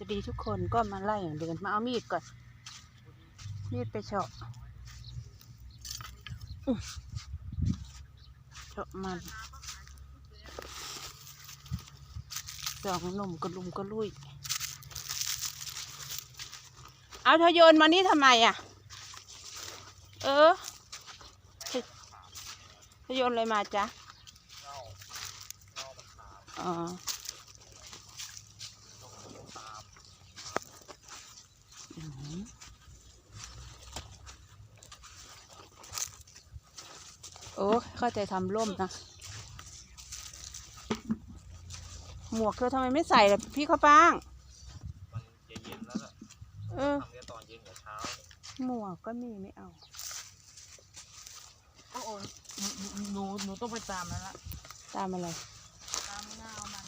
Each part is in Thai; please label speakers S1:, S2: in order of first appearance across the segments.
S1: จะดีทุกคนก็มาไล่อย่างเดินมาเอามีดก่อนมีดไปเฉาะเฉาะมันสองหนุ่มกระลุมกระลุยเอาเธอโยนมานี่ทำไมอ่ะเธอโยนอะไรมาจ๊ะอ๋อโอ้เข้าใจทำร่มนะหมวกเธอทำไมไม่ใส่ล่ะพี่ข้าวฟ่าง
S2: มันจะเย็นแล้วล่ะทำแค่ตอนเย็นกับเช้า
S1: หมวกก็มีไม่เอา
S3: โอ้โหหนูต้องไปตามแล้วละ
S1: ตามอะไร
S3: ตามหน้าเอามัน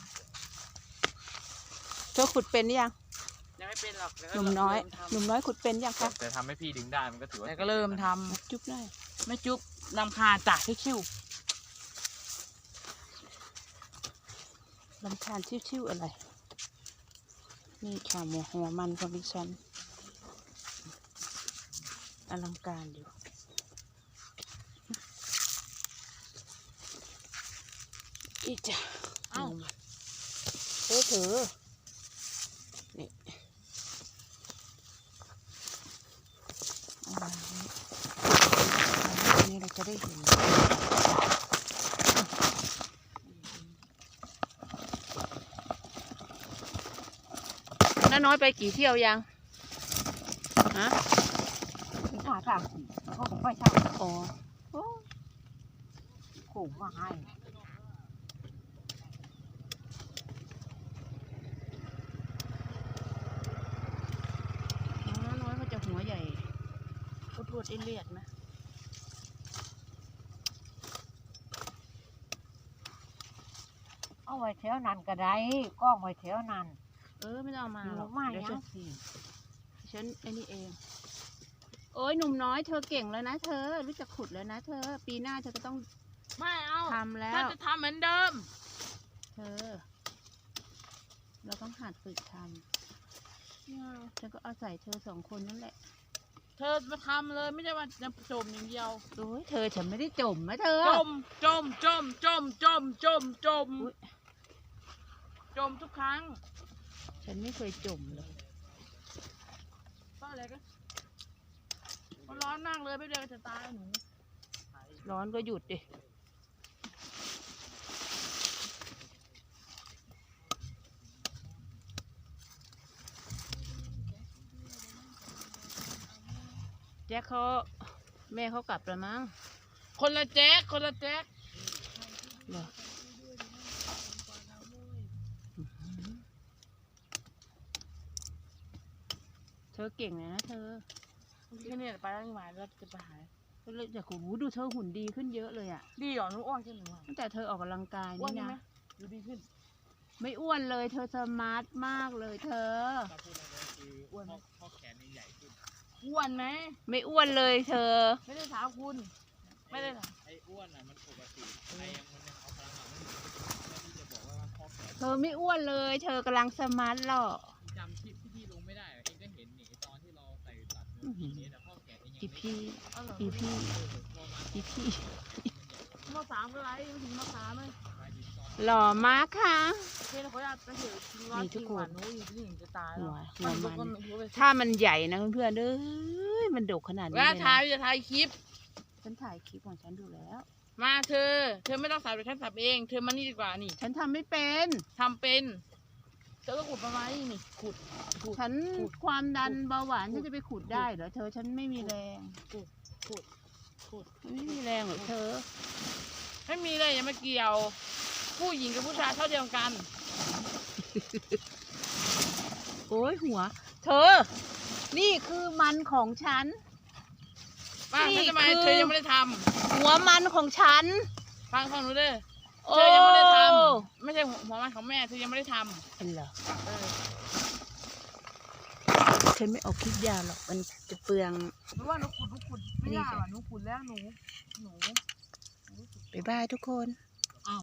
S1: เธอขุดเป็นหรือยัง
S3: ยังไม่เป็นหรอก
S1: หนุ่มน้อยขุดเป็นยังคะ
S2: แต่ทำให้พี่ดึงได้มันก็ถือว่า
S3: แต่ก็เริ่มท
S1: ำจุ๊บได้
S3: ไม่จุ๊บนำคาจ่าชิว
S1: ลำคาญชิวๆอะไรนี่ค่ะหัวมันของดิฉันอลังการอยู่อีจ้ะเอ้าเธอนี่นี่เราจะได้เห็นน้าน้อยไปกี่เที่ยวยังฮะ
S3: ขาทางเขาบอกไม่ใช่
S1: อ๋อ
S3: ขู่มาให้
S1: น้าน้อยเขาจะหัวใหญ่พูดเลียดไหม
S3: เอาไว้แถวนั้นก็ได้กล้องไว้แถวนั้น
S1: ไม่ต้องเอามาหรอก
S3: เดี๋ยว
S1: ฉันไอ้นี่เองโอ้ยหนุ่มน้อยเธอเก่งแล้วนะเธอรู้จักขุดแล้วนะเธอปีหน้าเธอก็ต้อง
S3: ไม่เอา
S1: ทำแล้ว
S3: ถ้าจะทำเหมือนเดิม
S1: เธอเราต้องหัดฝึกทำฉันก็อาศัยเธอสองคนนั่นแหละ
S3: เธอมาทำเลยไม่ใช่ว่าจะจมอย่างเดียว
S1: โอ้ยเธอฉันไม่ได้จมนะเธอ
S3: จมทุกครั้ง
S1: ฉันไม่เคยจมเลย
S3: ก็อะไรก็มันร้อนมากเลยไม่เดินจะตายหนู
S1: ร้อนก็หยุดดิแจ็คเขาแม่เขากลับแล้วมั้ง
S3: คนละแจ็ค
S1: เธอเก่งเลยนะเธอ
S3: แค่นี้ไปแล้วมาแล้วจะไปหา
S1: ก็เลยอยากดูเธอหุ่นดีขึ้นเยอะเลยอ่ะ
S3: ดีหรอหนูอ้วนขึ้นหรือเปล่า
S1: ตั้งแต่เธอออกกำลังกายนี่นะ
S3: ดูดีขึ้น
S1: ไม่อ้วนเลยเธอสมาร์ทมากเลยเธอ
S2: อ้วนข้อแขนใหญ่ขึ้น
S3: อ้วนไหม
S1: ไม่อ้วนเลยเธอ
S3: ไม่ได้ถามคุณไม่ได้ถาม
S2: ไอ้อ้วนอ่ะมันปกติไอ้ยังมันเอาพลังงานไม่ถึงที่จะบอกว่าข้อแขน
S1: เธอไม่อ้วนเลยเธอกำลังสมาร์ทหรอ
S2: จำที่ลงไม่ได้เองก็เห็นนี่ตอนที่เราใส่ตัดนี่แต่ข้อแขน
S1: อีพี่
S3: ม.3ก็ไรไม่ถึงม.3เลย
S1: หล่อมากค่ะ
S3: เขาอยากจะเห็นนี่ทุกคนหนูอยู่ที่หนึ่งจะตาย
S1: ถ้ามันใหญ่นะเพื่อนๆมันดกขนาดนี้เลย
S3: นะจะถ่ายคลิป
S1: ฉันถ่ายคลิปของฉันดูแล้ว
S3: มาเธอไม่ต้องสับเดี๋ยวฉันสับเองเธอมานี่ดีกว่านี่
S1: ฉันทำไม่เป็น
S3: ทำเป็นเธอก็ขุดประมาณนี้นี่ขุด
S1: ฉันความดันเบาหวานฉันจะไปขุดได้เหรอเธอฉันไม่มีแรง
S3: ขุด
S1: ไม่มีแรงหรอเธอ
S3: ไม่มีเลยอย่ามาเกี่ยวผู้หญิงกับผู้ชายเท่าเดียวกัน
S1: โอ้ยหัวเธอนี่คือมันของฉัน
S3: นี่ทำไมเธอยังไม่ได้ท
S1: ำหัวมันของฉัน
S3: ฟังหนูเด้อเธอยังไม่ได้ทำไม่ใช่หัวมันของแม่เธอยังไม่ได้ท
S1: ำเหรอฉันไม่ออกคลิปยาวหรอกมันจะเปลือง
S3: หรือว่าหนูขุดไม่ยากหนูขุดแล้วหนู
S1: บ๊ายบายทุกคน